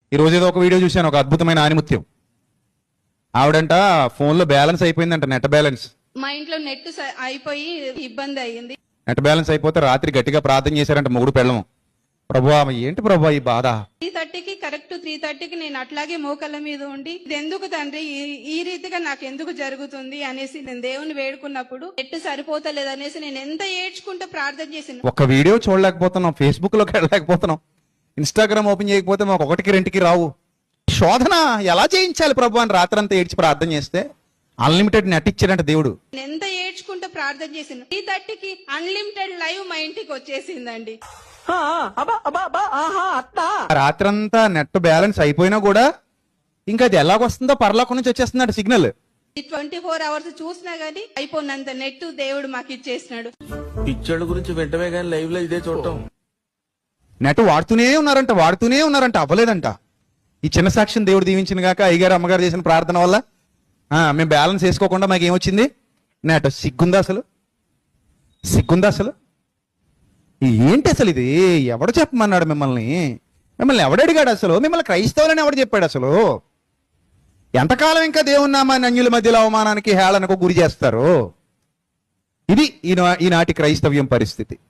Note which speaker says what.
Speaker 1: ఈ రోజు ఏదో ఒక వీడియో చూశాను, ఒక అద్భుతమైన ఆనిముత్యం. ఆవిడంట ఫోన్లో బ్యాలెన్స్ అయిపోయిందంట, నెట్ బ్యాలెన్స్.
Speaker 2: మా ఇంట్లో నెట్ అయిపోయి ఇబ్బంది అయ్యింది.
Speaker 1: నెట్ బ్యాలెన్స్ అయిపోతే రాత్రి గట్టిగా ప్రార్థన చేశారంట మొగుడు పెళ్ళము. ప్రభువా ఏంటి ప్రభువా ఈ బాధ?
Speaker 2: 3:30కి కరెక్ట్ 3:30కి నేను అట్లాగే మోకళ్ళ మీద ఉండి, ఇది ఎందుకు తండ్రి ఈ రీతిగా నాకు ఎందుకు జరుగుతుంది అనేసి నేను దేవుని వేడుకున్నప్పుడు నెట్ సరిపోతలేదు అనేసి నేను ఎంత ఏడ్చుకుంటూ ప్రార్థన చేసిన.
Speaker 1: ఒక వీడియో చూడలేకపోతున్నాం, ఫేస్బుక్ లోకి వెళ్ళలేకపోతున్నాం, ఇన్స్టాగ్రామ్ ఓపెన్ చేయకపోతే మాకు 1కి 2కి రావు. శోధన ఎలా చేయించాలి ప్రభు అని రాత్రంతా ఏడ్చి ప్రార్థన చేస్తే అన్లిమిటెడ్ నెట్ ఇచ్చాడంట దేవుడు.
Speaker 2: నేను ఎంత ఏడ్చుకుంటూ ప్రార్థన చేసిన 3:30కి అన్లిమిటెడ్ లైవ్ మా ఇంటికి వచ్చేసిందండి.
Speaker 1: రాత్రంతా నెట్ బ్యాలెన్స్ అయిపోయినా కూడా ఇంకా అది ఎలాగొస్తుందో పరలోకం నుంచి వచ్చేస్తున్నాడు సిగ్నల్.
Speaker 2: 24 అవర్స్ చూసినా గానీ అయిపోయినంత నెట్ దేవుడు మాకు ఇచ్చేసినాడు.
Speaker 3: పిక్చర్ల గురించి వెంటనే కానీ లైవ్ లో ఇదే చూడటం.
Speaker 1: నెట్ వాడుతూనే ఉన్నారంట, అవ్వలేదంట. ఈ చిన్న సాక్ష్యం దేవుడు దీవించిన గాక అయ్యగారు అమ్మగారు చేసిన ప్రార్థన వల్ల మేము బ్యాలెన్స్ వేసుకోకుండా మాకు ఏమొచ్చింది? నెట్. సిగ్గుందా అసలు? ఏంటి అసలు ఇది? ఎవడు చెప్పమన్నాడు మిమ్మల్ని ఎవడు అడిగాడు అసలు? మిమ్మల్ని క్రైస్తవులని ఎవడు చెప్పాడు అసలు? ఎంతకాలం ఇంకా దేవుని నామాన్ని అన్యుల మధ్యలో అవమానానికి హేళనకు గురి చేస్తారు? ఇది ఈనాటి క్రైస్తవ్యం పరిస్థితి.